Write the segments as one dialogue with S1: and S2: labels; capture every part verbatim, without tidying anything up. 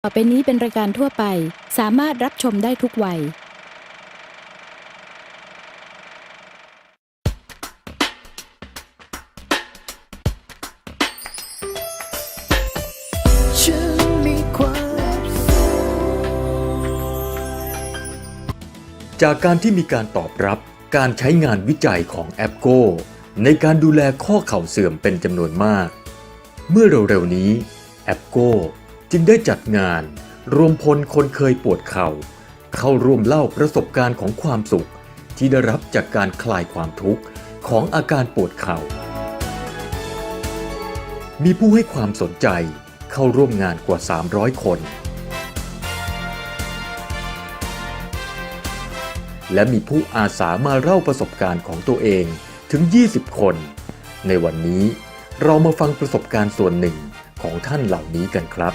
S1: ต่อไปนี้เป็นรายการทั่วไปสามารถรับชมได้ทุกวัย
S2: จากการที่มีการตอบรับการใช้งานวิจัยของแอปโก้ในการดูแลข้อเข่าเสื่อมเป็นจำนวนมากเมื่อเร็วๆนี้แอปโก้จึงได้จัดงานรวมพลคนเคยปวดเข่าเข้าร่วมเล่าประสบการณ์ของความสุขที่ได้รับจากการคลายความทุกข์ของอาการปวดเข่ามีผู้ให้ความสนใจเข้าร่วมงานกว่าสามร้อยคนและมีผู้อาสามาเล่าประสบการณ์ของตัวเองถึงยี่สิบคนในวันนี้เรามาฟังประสบการณ์ส่วนหนึ่งของท่านเหล่านี้กันครับ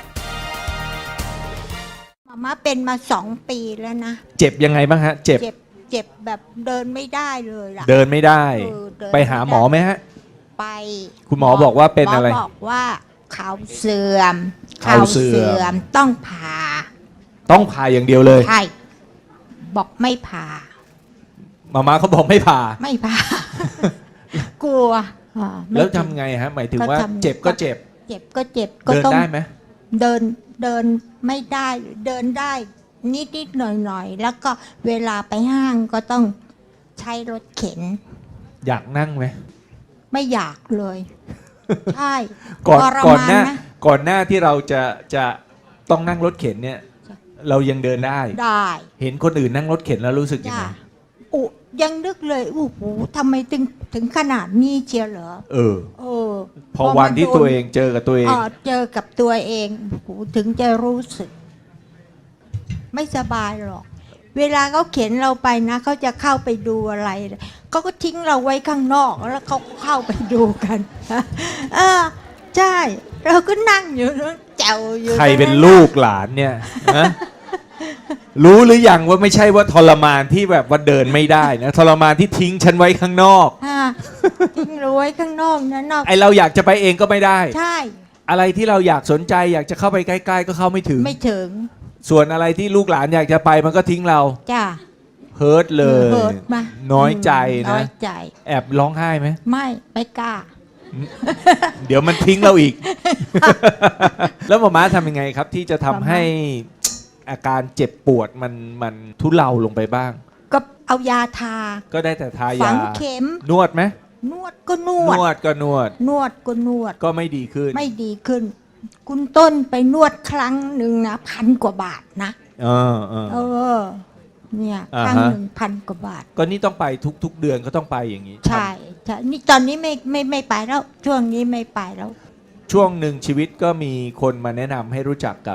S3: มาม่าเป็นมาสองปีแล้วนะ
S4: เจ็บยังไงบ้างฮะเจ็บ
S3: เจ็บเจ็บแบบเดินไม่ได้เลยล่ะ
S4: เดินไม่ได้
S3: เออเดิน
S4: ไปหาหมอไหมฮะ
S3: ไป
S4: คุณหมอบอกว่าเป็นอะไร
S3: หมอบอกว่าเข่าเสื่อม
S4: เข่าเสื่อม
S3: ต้องผ่า
S4: ต้องผ่าอย่างเดียวเลย
S3: ใช่บอกไม่ผ่า
S4: มาม่าเขาบอกไม่ผ่า
S3: ไม่ผ่า กลัว
S4: แล้วทำไงฮะหมายถึงว่าเจ็บก็เจ็บ
S3: เจ็บก็เจ็บ
S4: ก็ต้องเดินได้ไหม
S3: เดินเดินไม่ได้เดินได้นิดนิดหน่อยหน่อยแล้วก็เวลาไปห้างก็ต้องใช้รถเข็น
S4: อยากนั่งไหม
S3: ไม่อยากเลยใช่
S4: ก่อนก่อนหน้าก่อนหน้าที่เราจะจะต้องนั่งรถเข็นเนี่ยเรายังเดินได้
S3: ได้
S4: เห็นคนอื่นนั่งรถเข็นแล้วรู้สึกยังไง
S3: อุยังนึกเลยโอ้โหทำไมถึงถึงขนาดนี้เชียวเหรอ
S4: เออ
S3: เออ
S4: พอวันที่ตัวเองเจอกับตัวเอง
S3: เจอกับตัวเองถึงจะรู้สึกไม่สบายหรอกเวลาเขาเข็นเราไปนะเขาจะเข้าไปดูอะไรเขาก็ทิ้งเราไว้ข้างนอกแล้วเขาเข้าไปดูกันเออใช่เราก็นั่งอยู่แจวอยู่
S4: ใครเป็นลูกหลานเนี่ยนะรู้หรือยังว่าไม่ใช่ว่าทรมานที่แบบว่าเดินไม่ได้นะทรมานที่ทิ้งฉันไว้ข้างนอก
S3: ทิ้งเราไว้ข้างนอกนะนอก
S4: ไอเราอยากจะไปเองก็ไม่ได้
S3: ใช่
S4: อะไรที่เราอยากสนใจอยากจะเข้าไปใกล้ๆก็เข้าไม่ถึง
S3: ไม่ถึง
S4: ส่วนอะไรที่ลูกหลานอยากจะไปมันก็ทิ้งเรา
S3: จ้า
S4: เฮิร์ตเลยน้อยใจนะ
S3: น้อยใจ
S4: แอบร้องไห้ไหม
S3: ไม่ไม่กล้า
S4: เดี๋ยวมันทิ้งเราอีกแล้วหมอม้าทำยังไงครับที่จะทำให้อาการเจ็บปวดมันมันทุเลาลงไปบ้าง
S3: ก็เอายาทา
S4: ก็ได้แต่ทายา
S3: ฝังเข็ม
S4: นวดไหม
S3: นวดก็นวด
S4: นวดก็นวด
S3: นวดก็นวด
S4: ก็ไม่ดีขึ้น
S3: ไม่ดีขึ้นคุณต้นไปนวดครั้งหนึ่งนะพันกว่าบาทนะ
S4: เออเออ
S3: เออเนี่ยครั้งหนึ่งพันกว่าบาท
S4: ก็นี่ต้องไปทุกๆเดือนก็ต้องไปอย่างนี้
S3: ใช่ใช่นี่ตอนนี้ไม่ไม่ไม่ไปแล้วช่วงนี้ไม่ไปแล้ว
S4: ช่วงหนึ่งชีวิตก็มีคนมาแนะนำให้รู้จักกับ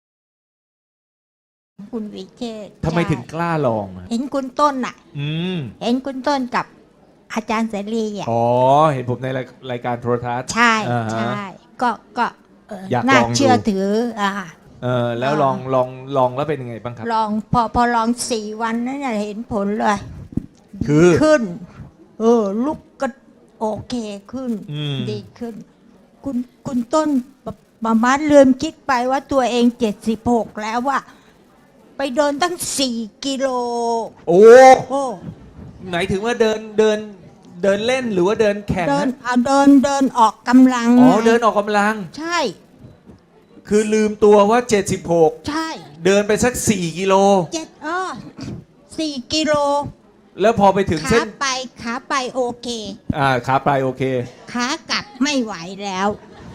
S3: คุณวิเชษฐ์
S4: ทำไมถึงกล้าลอง
S3: เห็นคุณต้นอ่ะ
S4: อืม
S3: เห็นคุณต้นกับอาจารย์เสรีอ่ะ
S4: อ๋อเห็นผมในรายการโทรทัศน์
S3: ใช่ใช่ก็ก็น่าเชื่อถืออ่า
S4: เออแล้วลองลองลองแล้วเป็นยังไงบ้างครับ
S3: ลองพอพอลองสี่วันนั้นเห็นผลเลย
S4: คือ
S3: ขึ้นเออลุกก็โอเคขึ้นดีขึ้นคุณคุณต้นมาม่าลืมคิดไปว่าตัวเองเจ็ดสิบหกแล้วว่าไปเดินตั้งสี่กิโล
S4: โอ้โหไหนถึงว่าเดินเดินเดินเล่นหรือว่าเดินแข่ง
S3: เดินเอาเดินเดินออกกำลัง
S4: อ๋อเดินออกกำลัง
S3: ใช่
S4: คือลืมตัวว่าเจ็ดสิบหก
S3: ใช่
S4: เดินไปสักสี่กิโล
S3: เจ็ดอ๋อสี่กิโล
S4: แล้วพอไปถึงเส้น
S3: ขาไปขาไปโอเค
S4: อ่าขาไปโอเค
S3: ขากลับไม่ไหวแล้ว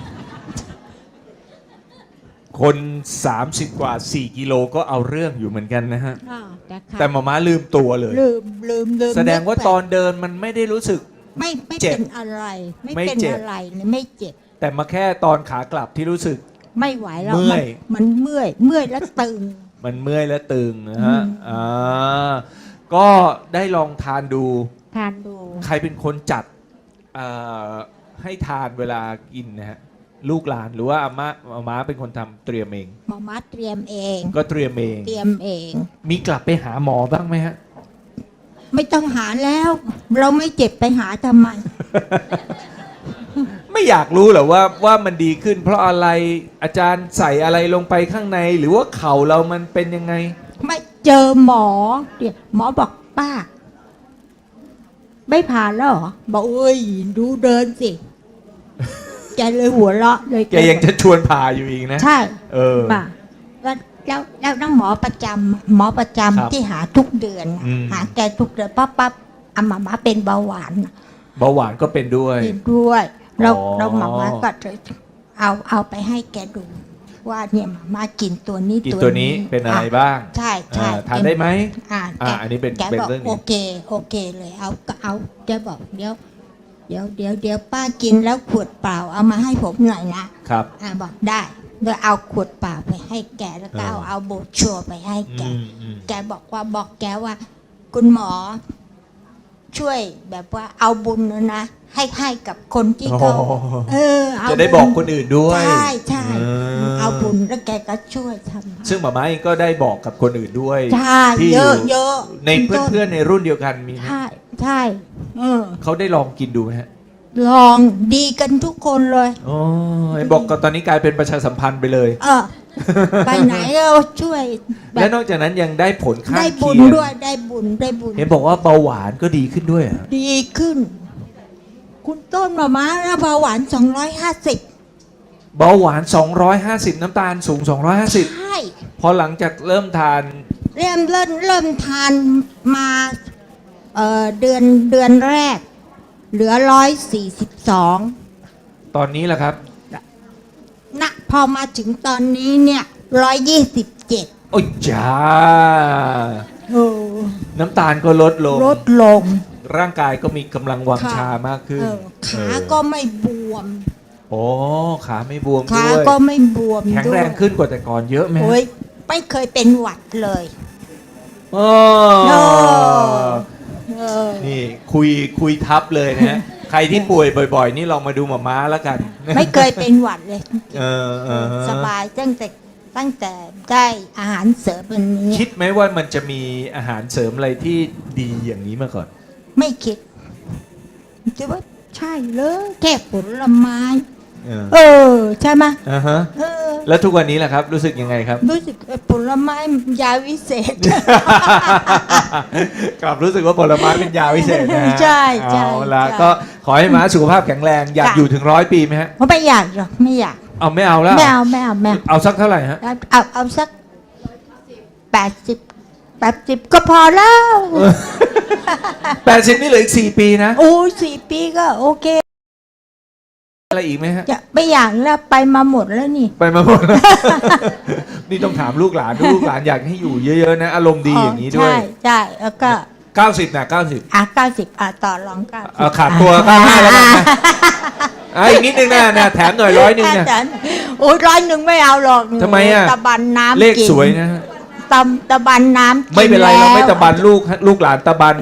S4: คนสามสิบกว่าสี่กิโลก็เอาเรื่องอยู่เหมือนกันนะฮะแต่หมอม้าลืมตัวเลย
S3: ลืมลืมลืม
S4: แสดงว่าตอนเดินมันไม่ได้รู้สึก
S3: ไม่ไม่เป็นอะไรไม่เป็นอะไรไม่เจ็บ
S4: แต่มาแค่ตอนขากลับที่รู้สึก
S3: ไม่ไหวแล้ว
S4: เมื่อย
S3: มันเมื่อยเมื่อยแล้วตึง
S4: มันเมื่อยแล้วตึงนะฮะอ่าก็ได้ลองทานดู
S3: ทานดู
S4: ใครเป็นคนจัดให้ทานเวลากินนะฮะลูกหลานหรือว่าอาม่าอาม่าเป็นคนทำเตรียมเอง
S3: มาม่าเตรียมเอง
S4: ก็เตรียมเอง
S3: เตรียมเอง
S4: มีกลับไปหาหมอบ้างไหมฮะ
S3: ไม่ต้องหาแล้วเราไม่เจ็บไปหาทำไม
S4: ไม่ไม่อยากรู้เหรอว่าว่ามันดีขึ้น เพราะอะไรอาจารย์ใส่อะไรลงไปข้างใน หรือว่าเข่าเรามันเป็นยังไง
S3: ไม่เจอหมอเดี๋ยวหมอบอกป้า ไม่ผ่านแล้วเหรอบอกเอ้ยดูเดินสิแกเลยหัวเราะเลย
S4: แกยังจะชวนผ่าอยู่อีกนะ
S3: ใช่
S4: เออ
S3: ป่ะแล้วแล้วแล้วน้องหมอประจำหมอประจำ
S4: ครับ
S3: ที่หาทุกเดือนน่ะ
S4: อืม
S3: หาแกทุกเดือนปั๊บปั๊บอามามาเป็นเบาหวานน่ะ
S4: เบาหวานก็เป็นด้วย
S3: เป็นด้วยเรา
S4: อ๋อ
S3: เราหมามาก็เลยเอาเอาไปให้แกดู ว่าเนี่ยหมามากินตัวนี้
S4: กินตัวนี้เป็นอะไรบ้าง
S3: ใช่ใช่
S4: อ่าทานได้ไหม
S3: อ่า
S4: อ่า
S3: แก
S4: อันนี้เป็น
S3: แก
S4: เป็น
S3: บอก
S4: เรื่องนี้
S3: โอเคโอเคเลยเอาก็เอาแกบอกเดี๋ยวเดี๋ยวเดี๋ยวเดี๋ยวป้ากินแล้วขวดเปล่าเอามาให้ผมหน่อยนะครับ อ่าบอกได้โดยเอาขวดเปล่าไปให้แกแล้วก็เอา
S4: เออ
S3: เอาโบรชัวร์ไปให้แก
S4: อืมอืม
S3: แกบอกว่าบอกแกว่า คุณหมอ ช่วยแบบว่าเอาบุญนะนะให้ให้กับคนที่เขา
S4: โอ้โห
S3: เออเอา
S4: จะได้บอกคนอื่นด้วย
S3: ใช่ใช่
S4: เออ
S3: เอาบุญแล้วแกก็ช่วยทำ
S4: ซึ่งหมาม้าเองก็ได้บอกกับคนอื่นด้วย
S3: ใช่
S4: ที่
S3: เยอะเยอะ
S4: ในเพื่อนๆในรุ่นเดียวกันมีไหม
S3: ใช่ใช่เออ
S4: เขาได้ลองกินดูไหมฮะ
S3: ลองดีกันทุกคนเลย
S4: อ๋อไอ้บอกก็ตอนนี้กลายเป็นประชาสัมพันธ์ไปเลย
S3: เออ ไปไหนก็ช่วยแบ
S4: และ
S3: บ
S4: นอกจากนั้นยังได้ผลข้าง
S3: ได้บุ
S4: เคี
S3: ญ
S4: ยง
S3: ด้วยได้บุญได้บุญ
S4: เห็นบอกว่าเบาหวานก็ดีขึ้นด้วยเหรอ
S3: ดีขึ้น คุณต้นมาม้าแล้วเบาหวานสองร้อยห้าสิบ
S4: เบาหวาน สองร้อยห้าสิบ น้ำตาลสูง สองร้อยห้าสิบ
S3: ใช่
S4: พอหลังจากเริ่มทาน
S3: เริ่มเริ่มเริ่มทานมาเอ่อเดือนเดือนแรก เหลือร้อยสี่สิบสอง
S4: ตอนนี้แหละครับ
S3: นะพอมาถึงตอนนี้เนี่ยร้อยยี่สิบเจ็ด
S4: โอ้ยจ้า
S3: โอ้
S4: น้ำตาลก็ลดลง
S3: ลดลง
S4: ร่างกายก็มีกำลังวัง
S3: ค่ะ
S4: ชามากขึ้น
S3: เออขา
S4: เออ
S3: ก็ไม่บวม
S4: โอ้ขาไม่บวม
S3: ขา
S4: ด้วย
S3: ก็ไม่บวม
S4: แข็ง
S3: ด้ว
S4: แร
S3: ย
S4: งขึ้นกว่าแต่ก่อนเยอะไหมฮะ
S3: โอ้ยไม่เคยเป็นหวัดเลย
S4: โอ้
S3: เออเออ
S4: นี่คุยคุยทับเลยนะฮะ ใครที่ป่วยบ่อยๆ นี่ลองมาดูหมาม้าแล้วกัน
S3: ไม่เคยเป็นหวัดเลย
S4: เออเออ
S3: สบายตั้งแต่ตั้งแต่ได้อาหารเสริมอันนี้
S4: คิดไหมว่ามันจะมีอาหารเสริมอะไรที่ดีอย่างนี้มาก่อน
S3: ไม่คิดจะว่าใช่เลยแค่ผลไม้
S4: เออ
S3: เออ ใช่ไหม
S4: อ่าฮะ
S3: เออ
S4: แล้วทุกวันนี้แหละครับ รู้สึกยังไงครับ
S3: รู้สึกเออผลไม้ยาวิเศษ
S4: กลับรู้สึกว่าผลไม้เป็นยาวิเศษนะฮะ
S3: ใช่ใช่
S4: เอาละ
S3: ใช่
S4: ก็ขอให้ม้าสุขภาพแข็งแรง อยาก
S3: ค่ะ
S4: อยู่ถึงร้อยปีไหมฮะ
S3: เพราะไม่อยากหรอกไม่อยาก
S4: เอาไม่เอาแล้ว
S3: ไม่เอาไม่เอาไม่เอา
S4: เอาสักเท่าไหร่ฮะ
S3: เอาเอาเอาสักแปดสิบแปดสิบก็พอแล้ว
S4: แปดสิบนี่เหลืออีกสี่ปีนะ
S3: โอ้ยสี่ปีก็โอเค
S4: อะไรอีกไหมฮะ
S3: จะไม่อยากแล้วไปมาหมดแล้วนี่
S4: ไปมาหมดแล้ว นี่ต้องถามลูกหลานดูลูกหลานอยากให้อยู่เยอะๆนะ อารมณ์ดีอย่างนี้ด้วย
S3: ใช่ใช่แล้วก็
S4: เก้าสิบนะเก้าสิบ
S3: อ่ะเก้าสิบอ่ะต่อรองเก้าสิบ
S4: เอาขาดตัวเก้าห้าแล้วกันนะอ่ะอีกนิดนึงนะนะแถมหน่อยร้อยหนึ่งนะ
S3: แต่โอ้ยร้อยหนึ่งไม่เอาหรอก
S4: ทำไมอ่ะ
S3: ตะบันน้ำ
S4: เลข
S3: กิน
S4: สวยนะฮะ
S3: ตำตะบันน้ำกิ
S4: ไม่เป็นไรเราไม่
S3: แล้ว
S4: ตะบันลูกลูกหลานตะบัน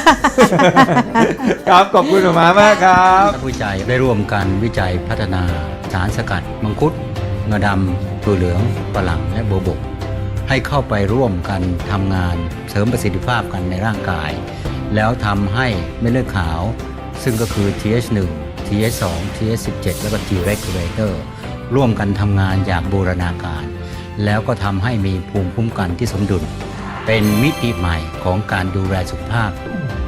S4: ครับขอบคุณหมอม้ามากครับ
S5: นักวิจัยได้ร่วมกันวิจัยพัฒนาสารสกัด มังคุดงาดำตัวเหลืองฝรั่งและโบวบก ให้เข้าไปร่วมกันทำงานเสริมประสิทธิภาพกันในร่างกาย แล้วทำให้เม็ดเลือดขาว ซึ่งก็คือ ที เอช หนึ่ง ที เอช สอง ที เอช สิบเจ็ด แล้วก็ T regulator ร่วมกันทำงานอย่างบูรณาการ แล้วก็ทำให้มีภูมิคุ้มกันที่สมดุล เป็นมิติใหม่ของการดูแลสุขภาพ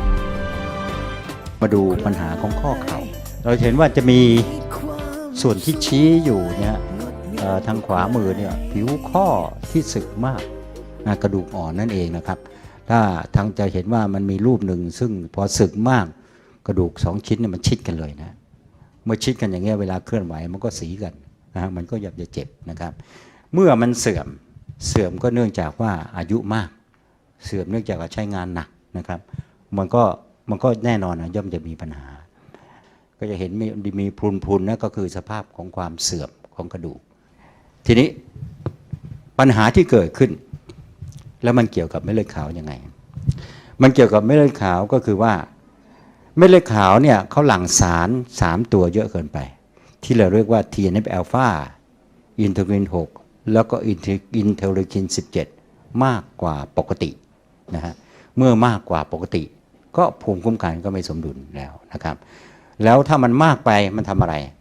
S5: มาดูปัญหาของข้อเข่า เราเห็นว่าจะมีส่วนที่ชี้อยู่เนี่ยเอ่อทางขวามือเนี่ยผิวข้อที่สึกมากนะกระดูกอ่อนนั่นเองนะครับ ถ้าทางจะเห็นว่ามันมีรูปหนึ่งซึ่งพอสึกมากกระดูกสองชิ้นเนี่ยมันชิดกันเลยนะเมื่อชิดกันอย่างเงี้ยเวลาเคลื่อนไหวมันก็สีกันนะฮะมันก็อยากจะเจ็บนะครับ เมื่อมันเสื่อมเสื่อมก็เนื่องจากว่าอายุมากเสื่อมเนื่องจากว่าใช้งานหนักนะครับ มันก็มันก็แน่นอนนะย่อมจะมีปัญหา ก็จะเห็นมีมีพรุนๆนะก็คือสภาพของความเสื่อมของกระดูก ทีนี้ปัญหาที่เกิดขึ้น แล้วมันเกี่ยวกับเม็ดเลือดขาวยังไง มันเกี่ยวกับเม็ดเลือดขาวก็คือว่าเม็ดเลือดขาวเนี่ยเขาหลั่งสารสามตัวเยอะเกินไป ที่เราเรียกว่า ที เอ็น เอฟ อลฟา อินเทอร์ลินหกแล้วก็อินเทอร์ลินสิบเจ็ดมากกว่าปกตินะฮะเมื่อมากกว่าปกติก็ภูมิคุ้มกันก็ไม่สมดุลแล้วนะครับแล้วถ้ามันมากไปมันทำอะไร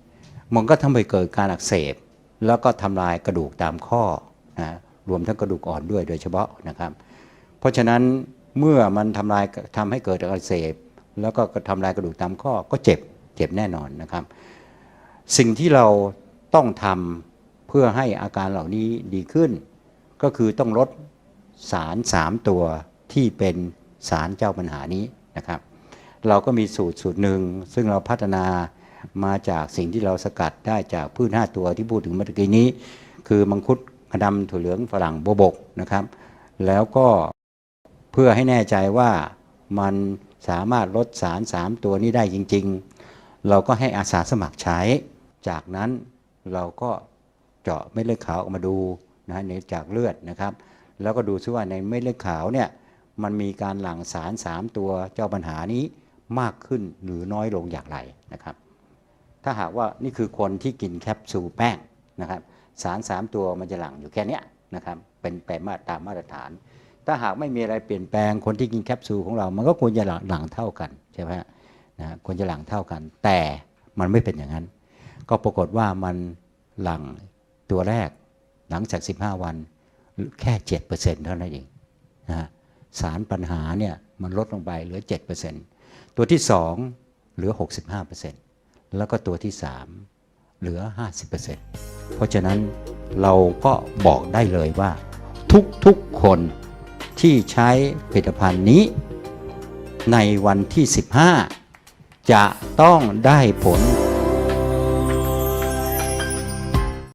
S5: มันก็ทำให้เกิดการอักเสบแล้วก็ทำลายกระดูกตามข้อนะรวมทั้งกระดูกอ่อนด้วยโดยเฉพาะนะครับเพราะฉะนั้นเมื่อมันทำลายทำให้เกิดอักเสบแล้วก็ทำลายกระดูกตามข้อก็เจ็บเจ็บแน่นอนนะครับสิ่งที่เราต้องทำเพื่อให้อาการเหล่านี้ดีขึ้นก็คือต้องลดสารสามตัวที่เป็นสารเจ้าปัญหานี้นะครับเราก็มีสูตรสูตรหนึ่งซึ่งเราพัฒนามาจากสิ่งที่เราสกัดได้จากพืชห้าตัวที่พูดถึงเมื่อกี้นี้คือมังคุดกระดำถั่วเหลืองฝรั่งโบวบกนะครับแล้วก็เพื่อให้แน่ใจว่ามันสามารถลดสารสามตัวนี้ได้จริงๆเราก็ให้อาสาสมัครใช้จากนั้นเราก็เจาะเม็ดเลือดขาวออกมาดูนะในจากเลือดนะครับแล้วก็ดูซิว่าในเม็ดเลือดขาวเนี่ยมันมีการหลั่งสารสามตัวเจ้าปัญหานี้มากขึ้นหรือน้อยลงอย่างไรนะครับถ้าหากว่านี่คือคนที่กินแคปซูลแป้งนะครับสารสามตัวมันจะหลั่งอยู่แค่นี้นะครับเป็นไปมาตามมาตรฐานถ้าหากไม่มีอะไรเปลี่ยนแปลงคนที่กินแคปซูลของเรามันก็ควรจะหลั่งเท่ากันใช่ไหมนะควรจะหลั่งเท่ากันแต่มันไม่เป็นอย่างนั้นก็ปรากฏว่ามันหลั่งตัวแรกหลังจากสิบห้าวันแค่ เจ็ดเปอร์เซ็นต์ เท่านั้นเองนะสารปัญหาเนี่ยมันลดลงไปเหลือ เจ็ดเปอร์เซ็นต์ ตัวที่สองเหลือ หกสิบห้าเปอร์เซ็นต์ แล้วก็ตัวที่สามเหลือ ห้าสิบเปอร์เซ็นต์ เพราะฉะนั้นเราก็บอกได้เลยว่าทุกๆคนที่ใช้ผลิตภัณฑ์นี้ในวันที่สิบห้าจะต้องได้ผล